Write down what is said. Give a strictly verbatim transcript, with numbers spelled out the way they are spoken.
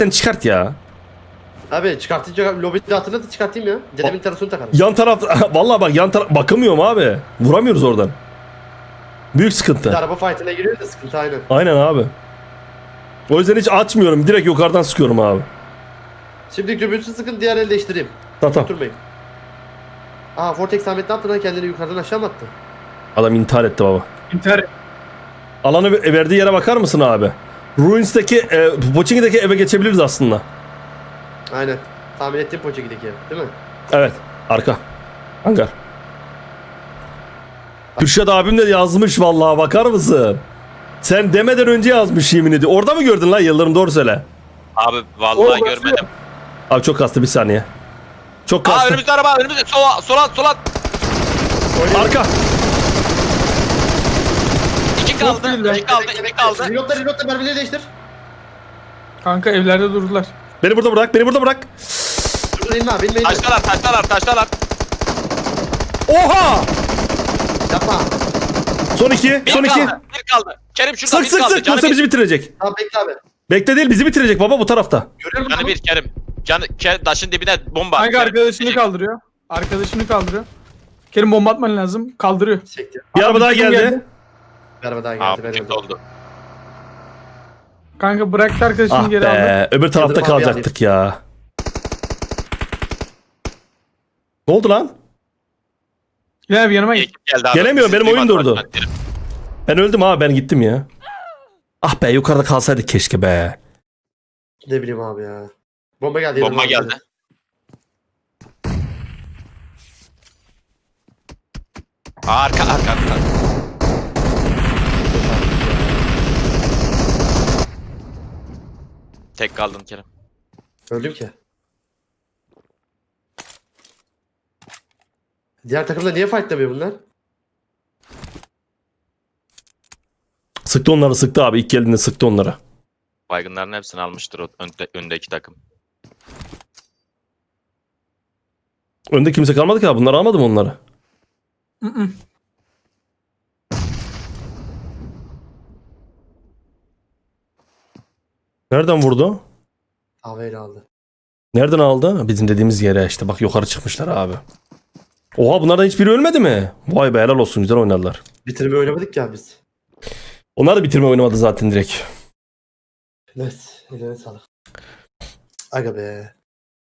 Sen çıkart ya. Abi çıkartınca lobide hatırladı çıkartayım ya. Dedemin terasını takarım. Yan taraf vallahi bak yan taraf bakamıyorum abi. Vuramıyoruz oradan. Büyük Bir sıkıntı. araba fight'ine giriyor da sıkıntı aynen. Aynen abi. O yüzden hiç açmıyorum. Direkt yukarıdan sıkıyorum abi. Şimdi göbürsü sıkın diğer el değiştireyim. Tamam tamam. Oturmayın. Aa Vortex Ahmet ne yaptı lan kendini yukarıdan aşağı mı attı? Adam intihar etti baba. İntihar. Alanı verdiği yere bakar mısın abi? Ruins'teki, e, Pochinki'deki eve geçebiliriz aslında. Aynen. Tahmin ettiğim Pochinki'deki ev değil mi? Evet. Arka. Hangar. Kürşat abim de yazmış vallahi bakar mısın? Sen demeden önce yazmış yemin ediyorum. Orada mı gördün lan Yıldırım doğru söyle. Abi vallahi Oo, görmedim. Abi çok kastı bir saniye. Çok Aa kastı. önümüzde araba önümüzde sola sola sola. Arka. İki kaldı. iki kaldı. iki kaldı. Reloadla reloadla mermileri değiştir. Kanka evlerde durdular. Beni burada bırak. Beni burada bırak. Dur inme abi inme inme. Taştalar taştalar taştalar. Oha! Yapma. Son iki. Bir Son iki. kaldı. Bir kaldı. Kerim şurada Sık bir sık kaldı. sık. Canı Yoksa bir. bizi bitirecek. Tamam bekle abi. Bekle değil bizi bitirecek baba bu tarafta. Görüyor musun? Canı bir Kerim. Canı Kerim, taşın dibine bomba. Kanka Kerim, arkadaşını bir- kaldırıyor. Arkadaşını kaldırıyor. Kerim bomba atman lazım. Kaldırıyor. Çekti. Bir Abi, araba daha bizim geldi. Bir araba daha geldi. Aa ben bu öldüm. oldu. Kanka bıraktı arkadaşını Ah geri aldı. be. Öbür tarafta Yıldırım abi kalacaktık ya. Ne oldu lan? Gel abi yanıma Bir git. ekip geldi abi. Gelemiyorum, benim Siz oyun duymadınız durdu. ben Kerim. Ben öldüm abi ben gittim ya. Ah be yukarıda kalsaydık keşke be. Ne bileyim abi ya. Bomba geldi. Bomba Yıldırım abi geldi. Arka arka arka. Tek kaldın Kerim. Öldüm ki. Diğer takımda niye fightlamıyor bunlar? Sıktı onları sıktı abi. İlk geldiğinde sıktı onları. Baygınların hepsini almıştır o önde, öndeki takım. Önde kimse kalmadı ki abi. Bunlar almadı mı onları? Hı hı. Nereden vurdu? Havayla aldı. Nereden aldı? Bizim dediğimiz yere işte. Bak yukarı çıkmışlar abi. Oha bunlardan hiçbiri ölmedi mi? Vay be helal olsun güzel oynadılar. Bitirme oynamadık ya biz. Onlar da bitirme oynamadı zaten direkt. Evet. Eline sağlık. Aga be.